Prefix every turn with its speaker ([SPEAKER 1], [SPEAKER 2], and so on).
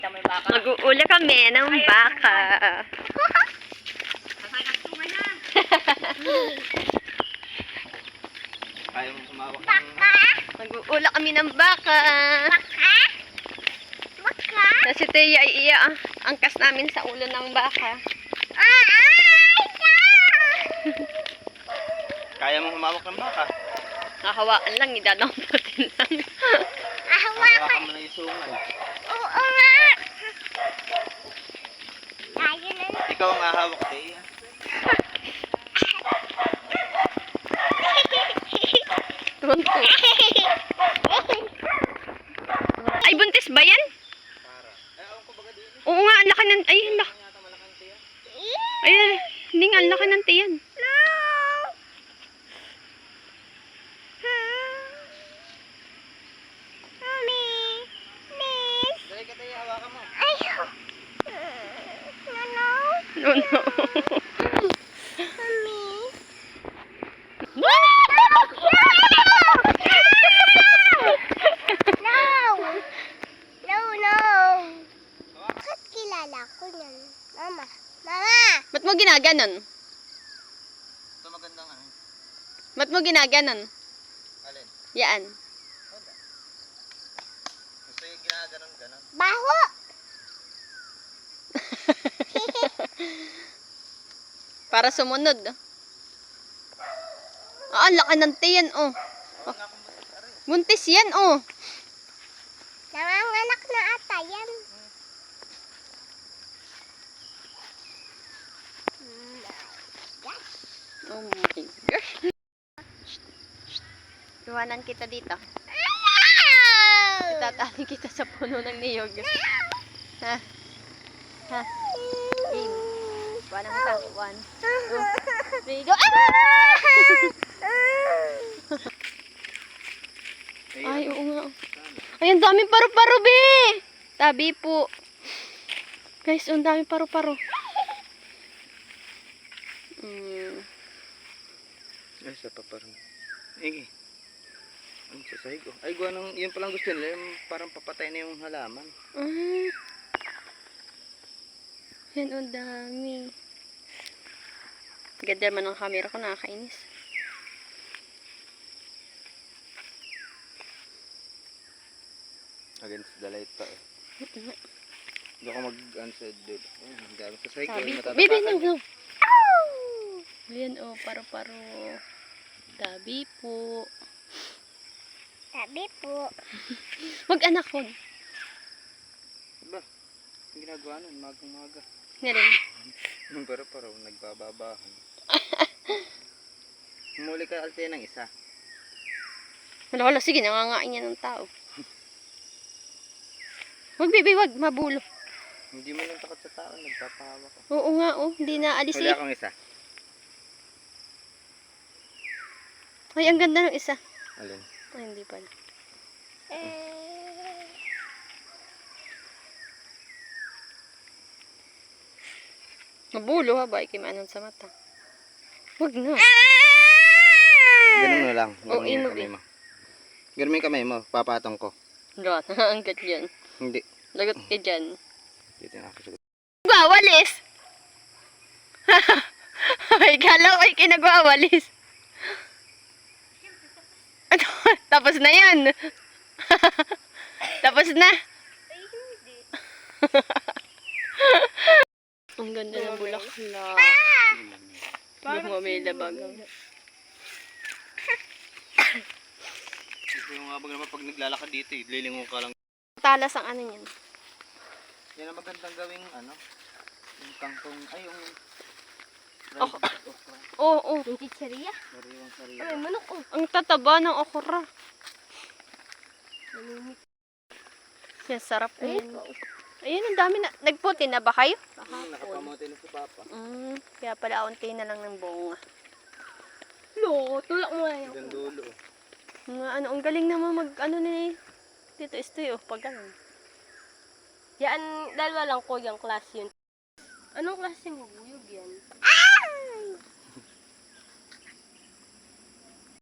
[SPEAKER 1] Mag-uula kami ng baka.
[SPEAKER 2] Kaya mo sumawak ng...
[SPEAKER 1] Mag-uula kami ng baka. Baka? Na si Teya ay angkas namin sa ulo ng baka.
[SPEAKER 2] Kaya mo humawak ng baka?
[SPEAKER 1] Nakahawaan lang, idadamputin lang.
[SPEAKER 2] Hawakan mo na yung sungal.
[SPEAKER 3] Oo nga. Tayo na.
[SPEAKER 2] Ikaw ang hahawak, Teya.
[SPEAKER 1] Tunto. Ay, buntis ba yan? Oo nga, ang laki ng... Ay, ang laki. Ay, hindi nga, ang laki ng tiyan. No, no. Ba't mo ginaganon?
[SPEAKER 2] Ito magandang ano.
[SPEAKER 1] Ba't mo ginaganon?
[SPEAKER 2] Alin?
[SPEAKER 1] Yan.
[SPEAKER 2] Gusto yung ginaganon-ganon.
[SPEAKER 3] Baho!
[SPEAKER 1] Para sumunod. Ah, ang laki ng tiyan, oh.
[SPEAKER 2] Huwag nga akong buntis, aray.
[SPEAKER 1] Buntis yan, oh.
[SPEAKER 3] Nanganganak na ata yan.
[SPEAKER 1] Oh my gosh. Iwanan kita dito. Itatali kita sa puno ng niyog. Ha? Ha? Game. Iwanan kita. 1, 2, 3, go. Ay, oo nga. Ay, ang daming paru-paro, be. Tabi po. Guys, ang daming paru-paro.
[SPEAKER 2] Ay, sa paparang. Ay, ang sasahig ko. Ay, gawa nung, yun palang gusto nila, yung parang papatay na yung halaman.
[SPEAKER 1] Yan, ang dami. Ganda naman ang camera ko, nakakainis.
[SPEAKER 2] Against the light pa eh. Hindi ako mag-unsaid dude. Ay, ang dami sasahig ko.
[SPEAKER 1] Tabi po. Baby, no. Ayan, oh, paro-paro. Tabi po.
[SPEAKER 3] Tabi po.
[SPEAKER 1] Mag-anak ko.
[SPEAKER 2] Ba? Ang ginagawa nun, magang-maga.
[SPEAKER 1] Ngayon.
[SPEAKER 2] Nung pero nagbababahan. Humuli ka alte ng isa.
[SPEAKER 1] Wala, sige, nangangain yan ng tao. Wag, baby, wag. Mabulo.
[SPEAKER 2] Hindi mo lang takot sa tao, nagpapahawa ka.
[SPEAKER 1] Oo nga, oh. Hindi na alis
[SPEAKER 2] Huli
[SPEAKER 1] eh.
[SPEAKER 2] akong isa.
[SPEAKER 1] Ay, ang ganda ng isa.
[SPEAKER 2] Alin?
[SPEAKER 1] Ay, hindi pala. Mabulo ha, ba? Ikimanon sa mata. Wag na.
[SPEAKER 2] Ganun mo lang.
[SPEAKER 1] Oo,
[SPEAKER 2] Ganun yung kamay mo. Ganun mo yung kamay mo, papatong ko.
[SPEAKER 1] Lahat, hanggat yan.
[SPEAKER 2] Hindi.
[SPEAKER 1] Lagot ka dyan.
[SPEAKER 2] Dito na ako sa...
[SPEAKER 1] Nagwawalis! Ay, kala ko ay kinagwawalis. Tapos na yan. Tapos na.
[SPEAKER 3] Ay, hindi.
[SPEAKER 1] Ang ganda ng bulaklak. Yung may labagang.
[SPEAKER 2] Gusto yung habang naman pag naglalakad dito eh, lilingon ka lang.
[SPEAKER 1] Talas ang ano yan.
[SPEAKER 2] Yan ang magandang gawing ano, yung kangkong, ay yung...
[SPEAKER 1] Oh. Oo.
[SPEAKER 3] Yung chicheria?
[SPEAKER 2] Sariwang sariwa.
[SPEAKER 3] Ay, manok oh.
[SPEAKER 1] Ang tataba ng okra. Yan, sarap na yan. Ayun, ang dami na. Nagputi na ba kayo?
[SPEAKER 2] Nakapamote na si Papa.
[SPEAKER 1] Kaya pala unti na lang ng bunga.
[SPEAKER 3] Lo, tulak mo yan.
[SPEAKER 2] Hanggang dulo.
[SPEAKER 1] Mga ano, ang galing naman mag, ano ni Tito Estoy, oh, pag ganun.
[SPEAKER 3] Yan, dalawa lang ko yung class yun. Anong klase ng buyog yan?